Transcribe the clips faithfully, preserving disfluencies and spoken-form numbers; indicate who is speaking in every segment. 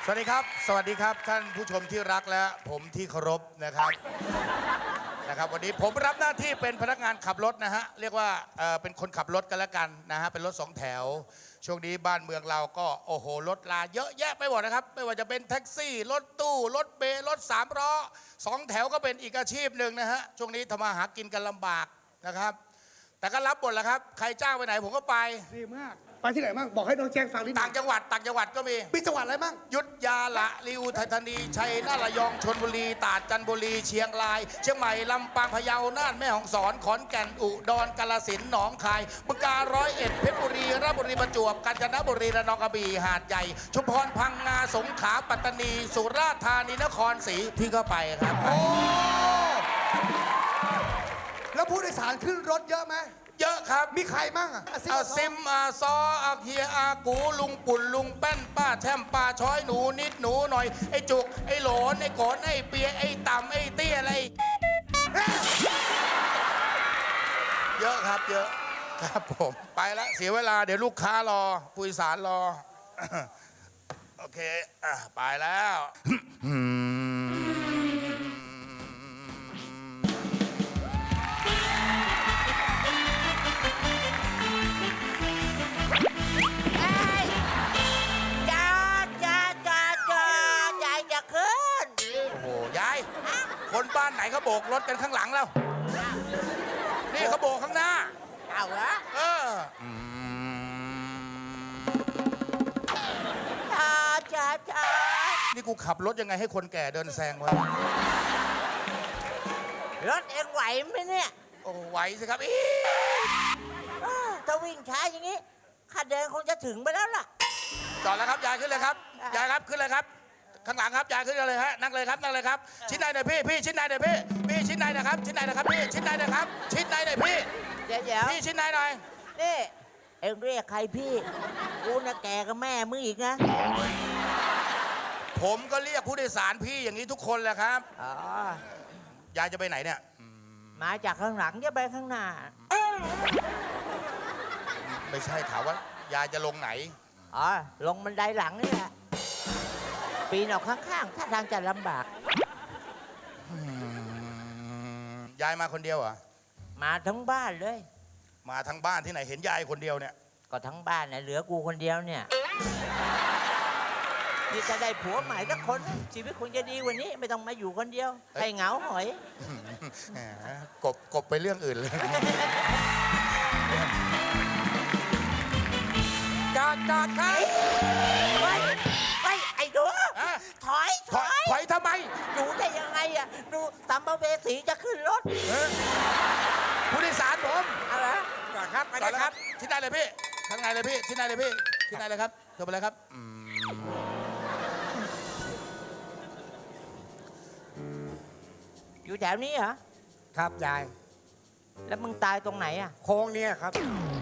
Speaker 1: สวัสดีครับสวัสดีครับท่านผู้ชมที่รักและผมที่เคารพนะครับนะครับวันนี้ผมรับหน้าที่เป็นพนักงานขับรถนะฮะเรียกว่าเอ่อเป็นคนขับรถกันแล้วกันนะฮะเป็นรถสองแถวช่วงนี้บ้านเมืองเราก็โอ้โหรถลาเยอะแยะไปหมดนะครับไม่ว่าจะเป็นแท็กซี่รถตู้รถเบล์รถสามล้อสองแถวก็เป็นอีกอาชีพหนึ่งนะฮะช่วงนี้ทำมาหากินกันลำบากนะครับแต่ก็รับหมดแหละครับใครจ้างไปไหนผมก็ไป
Speaker 2: ดีมากไปที่ไหนบ้างบอกให้น้องแจ้งฟังนิดนึง
Speaker 1: ต่างจังหวัดต่างจังหวัดก็มี
Speaker 2: มีจังหวัดอะไรบ้าง
Speaker 1: ยุทธยาละริวไทยธานีชัยนาทระยองชลบุรีตราดจันทบุรีเชียงรายเชียงใหม่ลำปางพะเยาน่านแม่ฮ่องสอนขอนแก่นอุดรกาฬสินธุ์หนองคายบึงกาฬร้อยเอ็ดเพชรบุรีราชบุรีประจวบกาญจนบุรีระนองกระบี่หาดใหญ่ชุมพรพังงาสงขลาปัตตานีสุราษฎร์ธานีนครศรีพี่ก็ไปครับ
Speaker 2: โอ้แล้วผู้โดยสารขึ้นรถเยอะไหม
Speaker 1: เยอะครับ
Speaker 2: มีใครมั่งอ่ะ
Speaker 1: อาซิมอาซออาเฮียอากูลุงปุ่นลุงแป้นป้าแช่มป้าช้อยหนูนิดหนูหน่อยไอ้จุกไอ้โหลนไอ้โกนไอ้เปียไอ้ต่ำไอ้เตี้ยอะไรเยอะครับเยอะครับผมไปแล้วเสียเวลาเดี๋ยวลูกค้ารอผู้โดยสารรอโอเคอ่ะไปแล้วคนบ้านไหนเขาโบกรถกันข้างหลังแล้วนี่เขาโบกข้างหน้า
Speaker 3: เอาเหรอ
Speaker 1: เออ
Speaker 3: จ้าจ้าจ้า
Speaker 1: นี่กูขับรถยังไงให้คนแก่เดินแซงวะ
Speaker 3: รถเองไหวไหมเนี่ย
Speaker 1: โอ้ไหวสิครับอี
Speaker 3: ถ้าวิ่งช้าอย่างนี้ข้าเดินคงจะถึงไปแล้วล่ะ
Speaker 1: จอดแล้วครับยายขึ้นเลยครับยายครับขึ้นเลยครับข้างหลังครับยายขึ้นเลยฮะนั่งเลยครับนั่งเลยครับชิ้นในหน่อยพี่พี่ชิ้นในหน่อยพี่พี่ชิ้นในนะครับชิ้นในนะครับพี่ชิ้นในนะครับชิ้นในหน่อยพี่
Speaker 3: เดี๋ยวเดี๋ยว
Speaker 1: พี่ชิ้นในหน่อย
Speaker 3: นี่เอ็งเรียกใครพี่กูน่ะแกกับแม่มึงอีกนะ
Speaker 1: ผมก็เรียกผู้โดยสารพี่อย่างนี้ทุกคนแหละครับ
Speaker 3: อ๋อย
Speaker 1: ายจะไปไหนเนี่ย
Speaker 3: มาจากข้างหลังจะไปข้างหน้า
Speaker 1: ไม่ใช่ถามว่ายายจะลงไหน
Speaker 3: อ๋อลงบันไดหลังนี่แหละปีนออกข้างๆถ้าทางจะลำบาก
Speaker 1: ยายมาคนเดียวเหรอ
Speaker 3: มาทั้งบ้านเลย
Speaker 1: มาทั้งบ้านที่ไหนเห็นยายคนเดียวเนี่ย
Speaker 3: ก็ทั้งบ้านเนี่ยเหลือกูคนเดียวเนี่ยนี่จะได้ผัวใหม่สักคนชีวิตคงจะดีกว่านี้ไม่ต้องมาอยู่คนเดียวให้เหงาหอย
Speaker 1: กบกบไปเรื่องอื่นเลย
Speaker 3: จอดจอดครับไปไปไอ้ดูถอยถอย
Speaker 1: ถอยทำไม
Speaker 3: ดูได้ยังไงอ่ะดูสัมภเวสีจะขึ้นรถ
Speaker 1: ผู้โดยสารผม
Speaker 3: อะไร
Speaker 1: จอดครับไปเลยครับที่ไหนเลยพี่ข้างในเลยพี่ที่ไหนเลยพี่ที่ไหนเลยครับเธอไปเลยครับ
Speaker 3: อยู่แถวนี้เหรอ
Speaker 2: ครับยาย
Speaker 3: แล้วมึงตายตรงไหนอ่ะ
Speaker 2: โค้งเนี่ยครับ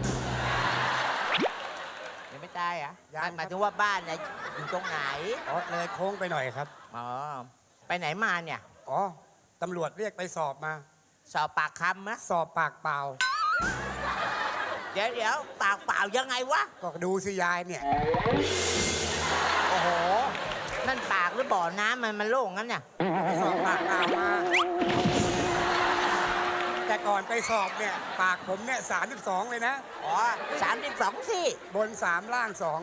Speaker 3: ยังไม่ตายอ่ะหมายถึงว่าบ้านเนี่ยอยู่ตรงไหน
Speaker 2: อ๋อเลยโค้งไปหน่อยครับ
Speaker 3: อ๋อไปไหนมาเนี่ย
Speaker 2: อ๋อตำรวจเรียกไปสอบมา
Speaker 3: สอบปากคำมะ
Speaker 2: สอบปากเปล่า
Speaker 3: เดี๋ยวเดี๋ยวปากเปล่ายังไงวะ
Speaker 2: ก็ดูสิยายเนี่ย
Speaker 3: โอ้โหนั่นปากหรือบ่อน้ำมันมันโล่งงั้นเนี่ย
Speaker 2: สอบปากเปล่ามาแต่ก่อนไปสอบเนี่ยปากผมเนี่ยสามสิบสองเลยนะ
Speaker 3: อ๋อสามสิบสองสิ
Speaker 2: บนสามล่างสอง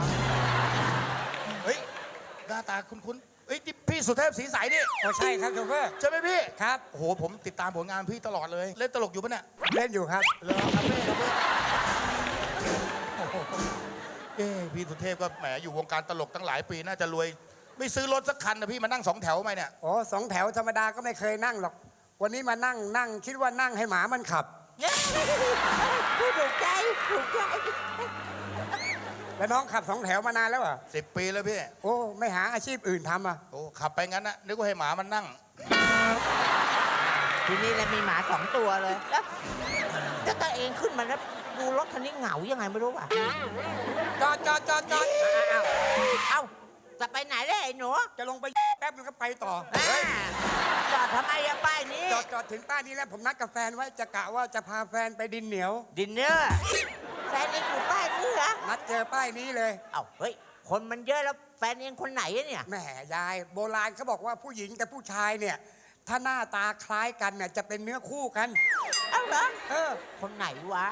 Speaker 1: เฮ้ยหน้าตาคุ้นๆเฮ้ยพี่สุเทพศรีใสนี่
Speaker 2: โอ้ใช่ครับโชเฟอร์
Speaker 1: ใช่ไหมพี่
Speaker 2: ครับ
Speaker 1: โอ้โหผมติดตามผลงานพี่ตลอดเลยเล่นตลกอยู่ปะเนี่ย
Speaker 2: เล่นอยู่ครับ
Speaker 1: เหรอครับพี่ครับพี่เอ้พี่สุเทพก็แหมอยู่วงการตลกตั้งหลายปีน่าจะรวยไม่ซื้อรถสักคันนะพี่มานั่งสองแถวไหมเนี่ย
Speaker 2: อ๋อสองแถวธรรมดาก็ไม่เคยนั่งหรอกวันนี้มานั่งนั่งคิดว่านั่งให้หมามันขับ
Speaker 3: ถูกใจถูกใจ
Speaker 2: แล้วน้องขับสองแถวมานานแล้วเหรอ
Speaker 1: สิบปีแล้วพี่
Speaker 2: โอ้ไม่หาอาชีพอื่นทำอ่ะ
Speaker 1: โอ้ขับไปงั้นนะนึกว่าให้หมามันนั่ง
Speaker 3: ทีนี้เรามีหมาสองตัวเลยแล้วถ้าตัวเองขึ้นมาแล้วดูรถคันนี้เหงายังไงไม่รู้ป่ะ
Speaker 2: จอดจอดจอดจอด
Speaker 3: เอาเอาจะไปไหนได้ไอ้หนู
Speaker 2: จะลงไปแป๊บนึงก็ไปต่อ
Speaker 3: จอดทำไมอะป้ายนี้
Speaker 2: จอดจอดถึงป้ายนี้แล้วผมนัดกับแฟนไว้จะกะว่าจะพาแฟนไปดินเหนียว
Speaker 3: ดินเนอร์แฟนเองอยู่ป้ายนี้เหรอ
Speaker 2: นัดเจอป้ายนี้เลย
Speaker 3: เอ้าเฮ้ยคนมันเยอะแล้วแฟนเองคนไหนอะเนี่ย
Speaker 2: แหมยายโบราณเขาบอกว่าผู้หญิงกับผู้ชายเนี่ย ถ้าหน้าตาคล้ายกันเนี่ยจะเป็นเนื้อคู่กัน
Speaker 3: เอ้าเหรอ
Speaker 2: เออ
Speaker 3: คนไหนวะ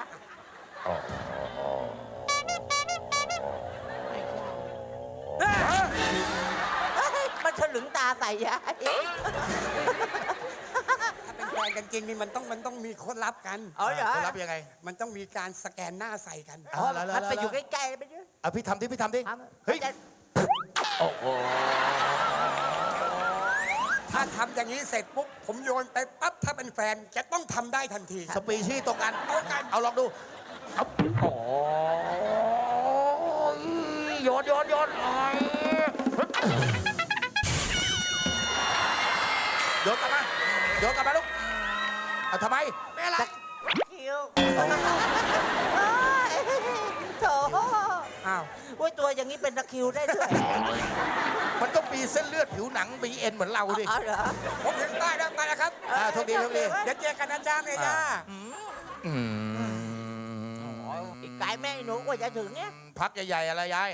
Speaker 3: เฮ้ยมันถลึงตาใส่ยาย
Speaker 2: ถ้าเป็นแฟนกันจริงนี่มันต้องมันต้องมีคนรับกัน
Speaker 3: เอาเหรอ
Speaker 1: จะรับยังไง
Speaker 2: มันต้องมีการสแกนหน้าใส่กัน
Speaker 3: อ๋อ
Speaker 1: แล้วแล้ว
Speaker 3: มันไป
Speaker 1: แล้ว
Speaker 3: อยู่ใกล้ๆไปด้วย
Speaker 1: เอาพี่ทำดิพี่ทำดิ
Speaker 3: ทำ
Speaker 1: เฮ้ย
Speaker 3: จะ
Speaker 2: ถ้าทำอย่างนี้เสร็จปุ๊บผมโยนไปปั๊บถ้าเป็นแฟนจะต้องทำได้ทันที
Speaker 1: สปีชีส์ตรงกัน
Speaker 2: ตรงกัน
Speaker 1: เอาลองดูเอาโอ้ยโยนโยนโยนโอ้ยโยนกลับมาโยนกลับมาลูกเอาทำไมไม่อะไร
Speaker 3: คิวโถ
Speaker 2: อ้าว
Speaker 3: โอ้ยตัวอย่างนี้เป็นตะคริวได้ด้วย
Speaker 1: มันต้องมีเส้นเลือดผิวหนังมีเอ็นเหมือนเราดิ
Speaker 3: อ๋อเหรอ
Speaker 2: ผมถึงได้แล้วไปแล้วครับ
Speaker 1: อ่าโชคดีโชคดี
Speaker 2: เดี๋ยวเจอกันนะจ้าเมย่า
Speaker 1: อืม
Speaker 3: อีกไกลแม่หนูกว่าจะถึงเนี่ย
Speaker 1: พักใหญ่ๆอะไรยาย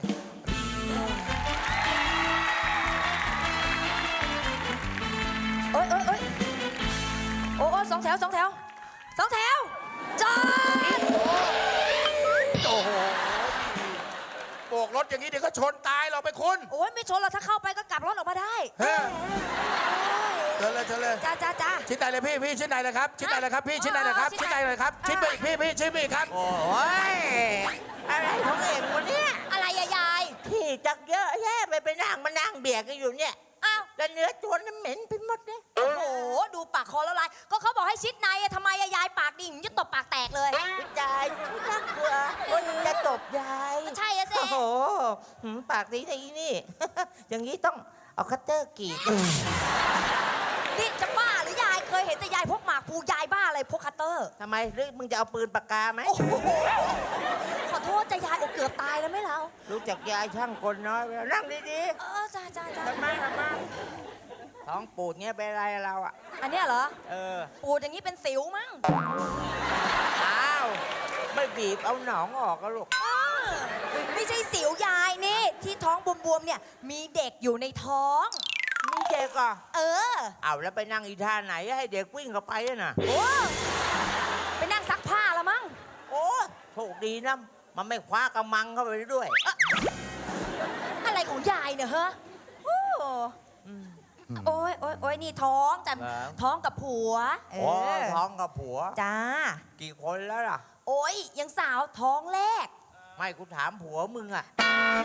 Speaker 4: เอ้ยเอ้ยเอ้ยโอ้โอ้สองแถวสองแถวสองแถวจอด
Speaker 1: โอ้โหโบกรถอย่างนี้เดี๋ยวก็ชนตายเราไปคุณ
Speaker 4: โอ้ยไม่ชนหรอกถ้าเข้าไปก็กลับรถออกมาได้
Speaker 1: เฮ้ยเชิญเลยเชิญเลย
Speaker 4: จ้าจ้าจ้า
Speaker 1: ชิ้นไหนเลยพี่พี่ชิ้นไหนเลยครับชิ้นไหนเลยครับพี่ชิ้นไหนเลยครับ
Speaker 4: อ๋อ
Speaker 1: ชิ้นไหนเลยครับ
Speaker 4: ชิ้
Speaker 1: ชิ้น
Speaker 4: น
Speaker 1: ไป
Speaker 4: ไหน
Speaker 1: อีกพี่พี่ชิ้นไปอีกครับ
Speaker 3: โอ้ยอะไรของเองวะเนี่ย
Speaker 4: อะไรอะยาย
Speaker 3: ที่จักเยอะแยะไปไปนั่งมานั่งเบียดกันอยู่เนี่ย
Speaker 4: อ้าว
Speaker 3: แล้วเนื้อตัวนั้นเหม็นไปหมดเลย
Speaker 4: โอ้โหดูปากคอแล้วลายก็เขาบอกให้ชิดในอะทำไมอะยายปากดิ่งจะตบปากแตกเลย
Speaker 3: พี่จายน่ากลัวว่าจะตบยาย
Speaker 4: ก็ใช่อะสิ
Speaker 3: โอ้โหหืมปากดีทีนี่ อย่างนี้ต้องเอาคัตเตอร์กรีด
Speaker 4: นี่จะบ้าหรือยายเคยเห็นแต่ยายพกหมากภูยายบ้าอะไรพกคัตเตอร์
Speaker 3: ทำไมหรือมึงจะเอาปืนปากกาไหม
Speaker 4: โอ้โหขอโทษจะยายโอเกือบตายแล้วไหมเรา
Speaker 3: รู้จักยายช่างคนน้อยไปแล้วนั่งดี
Speaker 4: เออจ้าจ้าจ้า
Speaker 3: ๆทำไมทำไมท้องปูดเงี้ยเป็นไรเราอ่ะ
Speaker 4: อันเนี้ยเหรอ
Speaker 3: เออ
Speaker 4: ปูดอย่างนี้เป็นสิวมั้ง
Speaker 3: อ้าว ไม่บีบเอาหนองออกก็ลูก
Speaker 4: เออไม่ใช่สิวยายนี่ ที่ท้องบวมๆเนี่ย มีเด็กอยู่ในท้อง
Speaker 3: มีเด็กอ่ะ
Speaker 4: เออ
Speaker 3: เอาแล้วไปนั่งอีท่าไหนให้เด็กวิ่งเข้าไปอะน่ะ
Speaker 4: โอ้ไปนั่งซักผ้าละมั้ง
Speaker 3: โอ้โชคดีนะ มันไม่คว้ากระมังเข้าไปด้วย
Speaker 4: อะไรของยายเนี่ยฮะโอ้โอ้ยโอ้ยโอ้ยนี่ท้องแต่
Speaker 3: ครับ
Speaker 4: ท้องกับผัว เอ
Speaker 3: โอ้
Speaker 4: อ
Speaker 3: ท้องกับผัว
Speaker 4: จ้า
Speaker 3: กี่คนแล้วล่ะ
Speaker 4: โอ้ยยังสาวท้องแรก
Speaker 3: ไม่กูถามผัวมึงอ่ะ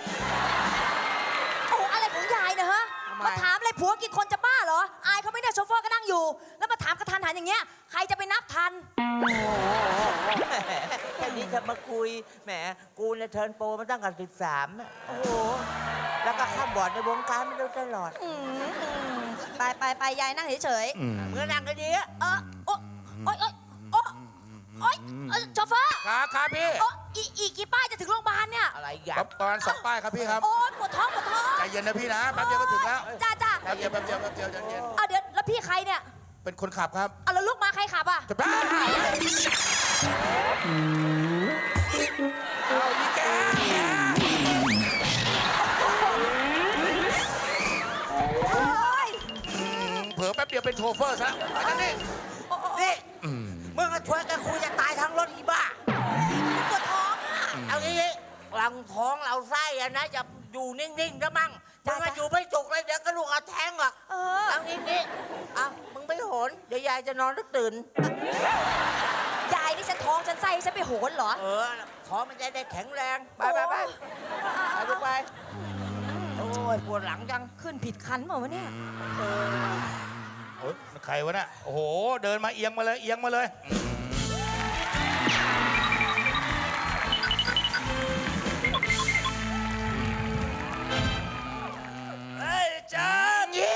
Speaker 4: โอ้อะไรของยายเนี่ยฮะ
Speaker 3: ทำไม
Speaker 4: มาถามอะไรผัวกี่คนจะบ้าเหรอ อายเขาไม่ได้โชเฟอร์ก็นั่งอยู่ แล้วมาถามกระทันหันอย่างเงี้ย ใครจะไปนับทัน
Speaker 3: แค่นี้จะมาคุย แหม กูเนี่ยเทิร์นโปรมาตั้งแต่สิบสามโอ้โห แล้วก็ข้ามบอร์ดในวงการมาโดยตลอด
Speaker 4: อืมอืมไปไปไปยายนั่งเฉย
Speaker 3: เมื่อนั่งก็ดีอะ
Speaker 4: ๆเออโอ้โอ้ยโอ้ยโอ้ยโอ้ยเอ่อโชเฟอร์
Speaker 1: ครับครับพี่
Speaker 4: โอ้อีอีกกี่ป้ายจะถึงโรงพยาบาลเนี่ย
Speaker 3: อะไรอย่า
Speaker 1: ครับประมาณสองป้ายครับพี่ครับ
Speaker 4: โอ้ยปวดท้องปวดท้อง
Speaker 1: ใจเย็นนะพี่นะแป๊บเดียวก็ถึงแล้ว
Speaker 4: จ้าจ้า
Speaker 1: แป๊บเดียวแป๊บเดียวแป๊บเดียวใจเย็น
Speaker 4: เอาเดี๋ยวแล้วพี่ใครเนี่ย
Speaker 1: เป็นคนขับครับ
Speaker 4: เอาแล้วลูกมาใครขับอ่ะ
Speaker 1: จะบ้าเอาอีแก
Speaker 4: โอ้ย
Speaker 1: เผลอแป๊บเดียวเป็นโชเฟอร์ซะไปนั่นนี่
Speaker 4: โอ้โอ้
Speaker 3: นี่มึงก็ช่วยกันคุยจะตายทั้งรถอีบ้า
Speaker 4: ปวดท้องอ่ะ
Speaker 3: เอางี้หลังท้องเราไส้อะนะจะอยู่นิ่งๆนะมั่งมึ
Speaker 4: จ้ะ
Speaker 3: งมา
Speaker 4: จ้ะ
Speaker 3: อยู่ไม่จุกเลยเดี๋ยวกระดูกเอาแทงหรอก
Speaker 4: เออ
Speaker 3: เอางี้นี่เอามึงไม่โหนเดี๋ยวยายจะนอนแล้วตื่น
Speaker 4: ยายนี่ฉันท้องฉันไส้ฉันไปโหนเหรอ
Speaker 3: เออท้องมันจะได้แข็งแรง ไปไปไปไปลูกไปโอ้ยปวดหลังจัง
Speaker 4: ขึ้นผิดคันเปล่าวะเนี่ย
Speaker 1: โอ้ยใครวะน่ะโอ้โห เดินมาเอียงมาเลย เอียงมาเลยเฮ้ยจานยี่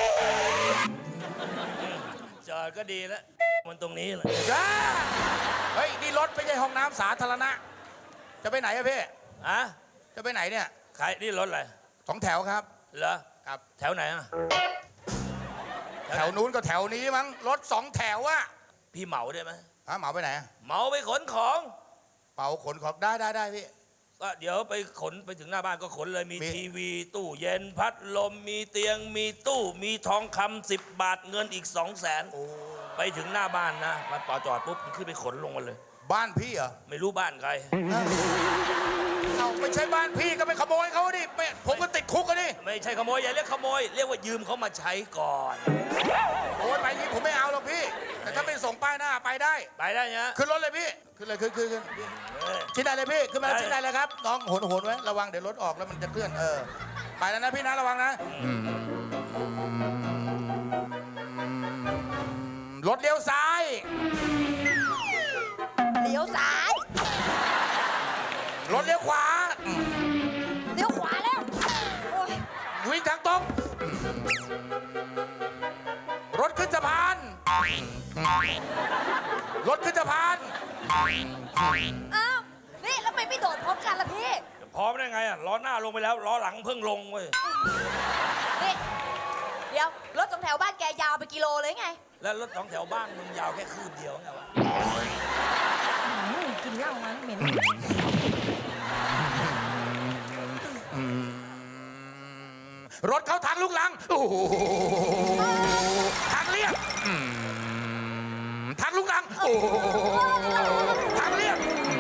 Speaker 5: จอดก็ดีแล้ว มันตรงนี้แหละ
Speaker 1: จ้าเฮ้ย นี่รถไม่ใช่ห้องน้ำสาธารณะ จะไปไหนอะพี่
Speaker 5: อะ
Speaker 1: จะไปไหนเนี่ย
Speaker 5: ใครนี่รถอะไร
Speaker 1: สองแถวครับ
Speaker 5: เหรอ
Speaker 1: ครับ
Speaker 5: แถวไหนอ่ะ
Speaker 1: แถวนู้นก็แถวนี้มั้ง รถสองแถวอะ
Speaker 5: พี่เหมาได้ไหม
Speaker 1: ฮะเหมาไปไหนอะ
Speaker 5: เหมาไปขนของ
Speaker 1: เป่าขนของได้ได้ได้พี่
Speaker 5: สก็เดี๋ยวไปขนไปถึงหน้าบ้านก็ขนเลยมี
Speaker 1: มี
Speaker 5: ทีวี ตู้เย็นพัดลมมีเตียงมีตู้มีทองคำสิบบาทเงินอีกสองแสนไปถึงหน้าบ้านนะมันต่อจอดปุ๊บมันขึ้นไปขนลงมาเลย
Speaker 1: บ้านพี่เหรอ
Speaker 5: ไม่รู้บ้านใคร
Speaker 1: เอาไม่ใช่บ้านพี่ก็ไปขโมยเขาดิไปผมก็ติดคุกกันดิ
Speaker 5: ไม่ใช่ขโมยอย่าเรียกขโมย เรียกว่ายืมเขามาใช้ก่อน
Speaker 1: โอ้ยไปนี้ผมไม่เอาหรอกพี่ แต่ถ้าเป็นส่งป้ายหน้าไปได้
Speaker 5: ไปได้นะ
Speaker 1: ขึ้นรถเลยพี่ ขึ้นเลยขึ้นขึ้นขึ้น
Speaker 5: เออ
Speaker 1: ชิ้นใดเลยพี่ ขึ้นมาแล้ว
Speaker 5: ได้
Speaker 1: ชิ้นใดเลยครับ น้องโหนโหนไว้ ระวังเดี๋ยวรถออกแล้วมันจะเคลื่อน เออ ไปแล้วนะพี่นะระวังนะ รถเลี้ยวซ้าย
Speaker 4: เลี้ยวซ้าย
Speaker 1: รถเลี้ยวขวา
Speaker 4: เลี้ยวขวาแล้ว โอ้ย
Speaker 1: วิ่งทางตรง รถขึ้นสะพาน รถขึ้นสะพาน
Speaker 4: อ้าว นี่แล้วทำไมไม่โดดพร้อมกันล่ะพี่
Speaker 5: จะพร้อมได้ไงอ่ะล้อหน้าลงไปแล้วล้อหลังเพิ่งลงเว้ย
Speaker 4: นี่ เดี๋ยว รถสองแถวบ้านแกยาวไปกิโลเลยไง
Speaker 5: แล้วรถสองแถวบ้านมึงยาวแค่คืบเดียวไงวะ
Speaker 4: อืมกินเหล้ามันเหม็น
Speaker 1: รถเขาทางลูกลังโอ้โหทางเรียบอืมทางลูกลังโอ้โหทางเรียบ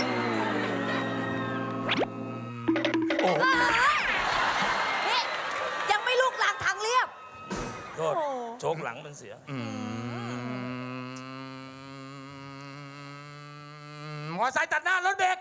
Speaker 1: โอ้โห
Speaker 4: นี่ ยังไม่ลูกลางทางเรียบ
Speaker 5: โทษ
Speaker 4: โอ้
Speaker 5: โชคหลังมันเสีย
Speaker 1: มอไซค์ตัดหน้ารถเบรก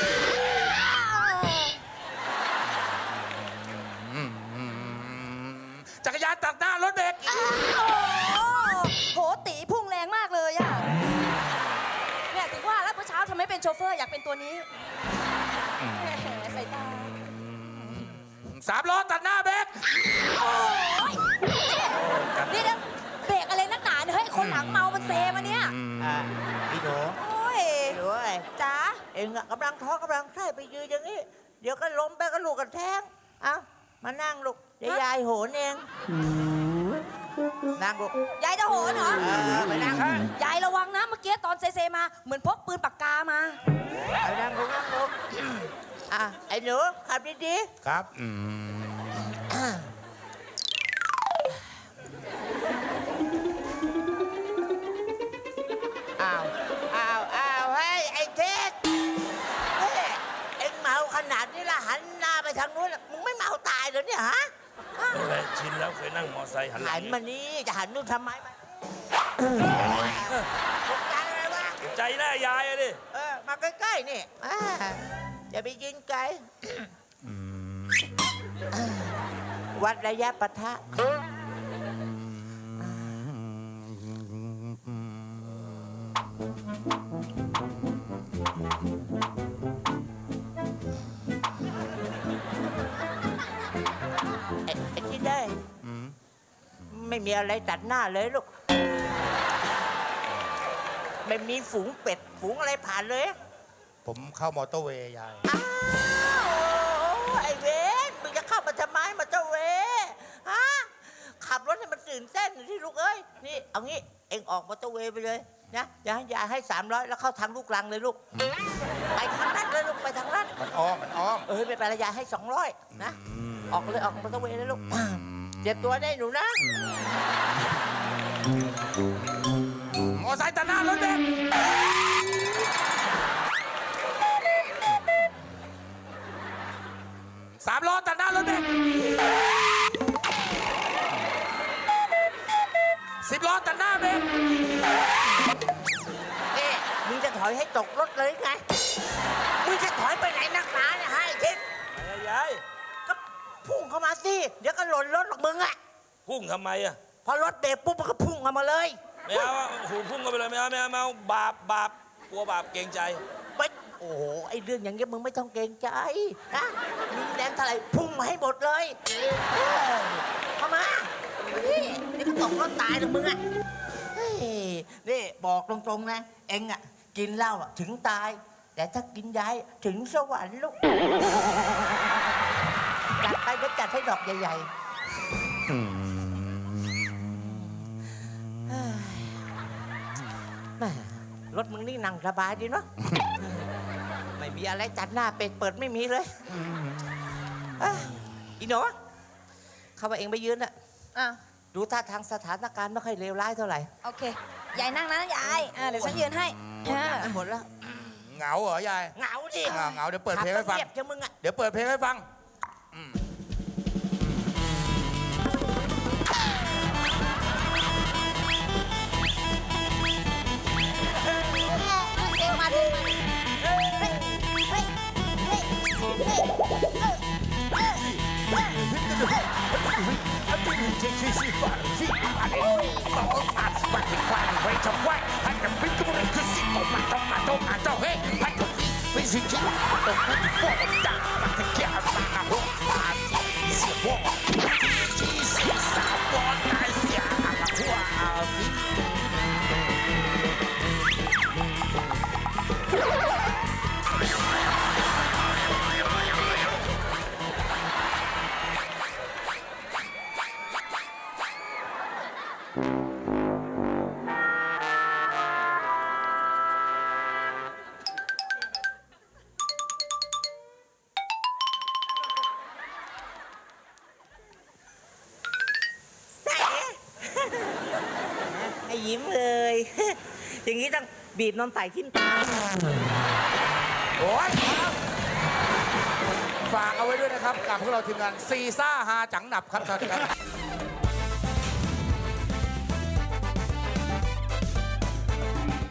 Speaker 1: จักรยานตัดหน้ารถเบรก
Speaker 4: โอ้โห ตีพุ่งแรงมากเลยอะเนี่ยถึงว่าแล้วเมื่อเช้าทำไมเป็นโชเฟอร์อยากเป็นตัวนี้แหมสายตา
Speaker 1: สามล้อตัดหน้าเบรก
Speaker 4: โอ้ยนี่เดี๋ยวเบรกอะไรนักหนาเนี่ยเฮ้ย คนหลังเมา มันเซมาเนี่ย
Speaker 3: อ่ะพี่หนู
Speaker 4: โอ้ย
Speaker 3: พี่หนูไอ้
Speaker 4: จ๋า
Speaker 3: เองอะกำลังท้องกำลังไส้ไปยืนอย่างนี้ เดี๋ยวก็ล้มไปก็ลูกกันแท้งเอ้ามานั่งลูกเดี๋ยวยายโหนเองนั่งลูก
Speaker 4: ยายจะโหนเหรอ
Speaker 3: เออไปนั่งข้าง
Speaker 4: ยายระวังนะ เมื่อกี้ตอนเซเซมา เหมือนพกปืนปากกามา
Speaker 3: ไปนั่งลูกนั่งลูกอ่ะไอ้หนูขับดี
Speaker 1: ครับ
Speaker 3: ๆอ้าวอ้าวอ้าวเฮ้ยไอ้เท็ดเฮ้ยเอ็งเมาขนาดนี้ละหันหน้าไปทางนู้นน่ะมึงไม่เมาตายเหรอเนี่ยฮะ
Speaker 5: อะไรชินแล้วเคยนั่งมอไซค์หันหลั
Speaker 3: หั
Speaker 5: ง
Speaker 3: นมานี่จะหันนู่นทำไมมาตกใจอะไรวะ
Speaker 5: ใจแน่ยายอะดิ
Speaker 3: เออ มาใกล้ๆนี่อ่าจะไปยิงไกลวัดระยะปะทะไอ้ไอ้ที่ได้ ไม่มีอะไรตัดหน้าเลยลูก ไม่มีฝูงเป็ด ฝูงอะไรผ่านเลย
Speaker 1: ผมเข้ามอเตอร์เวย์ยาย
Speaker 3: อ้าวไอ้เวนมึงจะเข้ามาทำไมมาเจ้าเวฮะขับรถให้มันตื่นเต้นหน่อยที่ลูกเอ้ยนี่เอางี้เอ็งออกมอเตอร์เวย์ไปเลยนะอย่าให้ยายให้สามร้อยแล้วเข้าทางลูกรังเลยลูกไปทางนั้นเลยลูกไปทางนั้น
Speaker 1: มันอ้อม มันอ้อม
Speaker 3: เออไม่เป็นไรยายให้สองร้อยนะออกเลยออกมอเตอร์เวย์เลยลูกเจ็บตัวได้หนูนะ
Speaker 1: มอไซค์ตัดหน้ารถเบรกสามล้อตัดหน้ารถเบรกสิบล้อตัดหน้าเบรก
Speaker 3: เอ๊ะมึงจะถอยให้ตกรถเลยไงมึงจะถอยไปไหนนักหนาเนี่ยให้ทิศ
Speaker 5: ไปอะยาย
Speaker 3: ก็พุ่งเข้ามาสิเดี๋ยวก็หล่นรถหรอกมึงอะ
Speaker 5: พุ่งทำไมอะ
Speaker 3: พอรถเบรกปุ๊บมันก็พุ่งเข้ามาเลย
Speaker 5: ไม่เอาอะโอ้โหพุ่งกันไปเลยไม่เอาไม่เอาไม่เอาบาปบาปกลัวบาปเกรงใจ
Speaker 3: ไปโอ้โหไอ้เรื่องอย่างเงี้ยมึงไม่ต้องเกรงใจนะมีแรงเท่าไหร่พุ่งมาให้หมดเลยเออเข้ามานี่นี่ก็ตกรถตายหรอกมึงอะเฮ้ยนี่บอกตรงๆนะเอ็งอะกินเหล้าอะถึงตาย แต่ถ้ากินยายถึงสวรรค์ลูกจัดไปเดี๋ยวจัดให้ดอกใหญ่ๆ เฮ้ยแม่รถมึงนี่นั่งสบายดีเนาะ ไม่ไม่มีอะไรจัดหน้าเป็ดเปิดไม่มีเลยเอ้ยอีหนูเขาว่าเองไปยืนอะ
Speaker 4: อ่ะ
Speaker 3: ดูท่าทางสถานการณ์ไม่ค่อยเลวร้ายเท่าไหร่
Speaker 4: โอเค ยายนั่งนะยายอ่ะเดี๋ยวฉันยืนให้
Speaker 3: หมดแล้วหมดแล้ว
Speaker 1: เหงาเหรอยาย
Speaker 3: เหงาดิ
Speaker 1: เหงาเหงาเดี๋ยวเปิดเพลงให้ฟัง
Speaker 3: ขับรถเรียบจังมึงอะ
Speaker 1: เดี๋ยวเปิดเพลงให้ฟัง
Speaker 4: เก่งมาดิเฮ้ยเฮ้ยเฮ้ยเฮ้ยเฮ้ยเออเออเออ
Speaker 3: ไอ้ยิ้มเลย อย่างนี้ต้องบีบนมใส่ทิ้นตา
Speaker 1: โอ้ยครับฝากเอาไว้ด้วยนะครับ กับพวกเราทีมงานซีซ่าฮาจังหนับครับสวัสดีครับ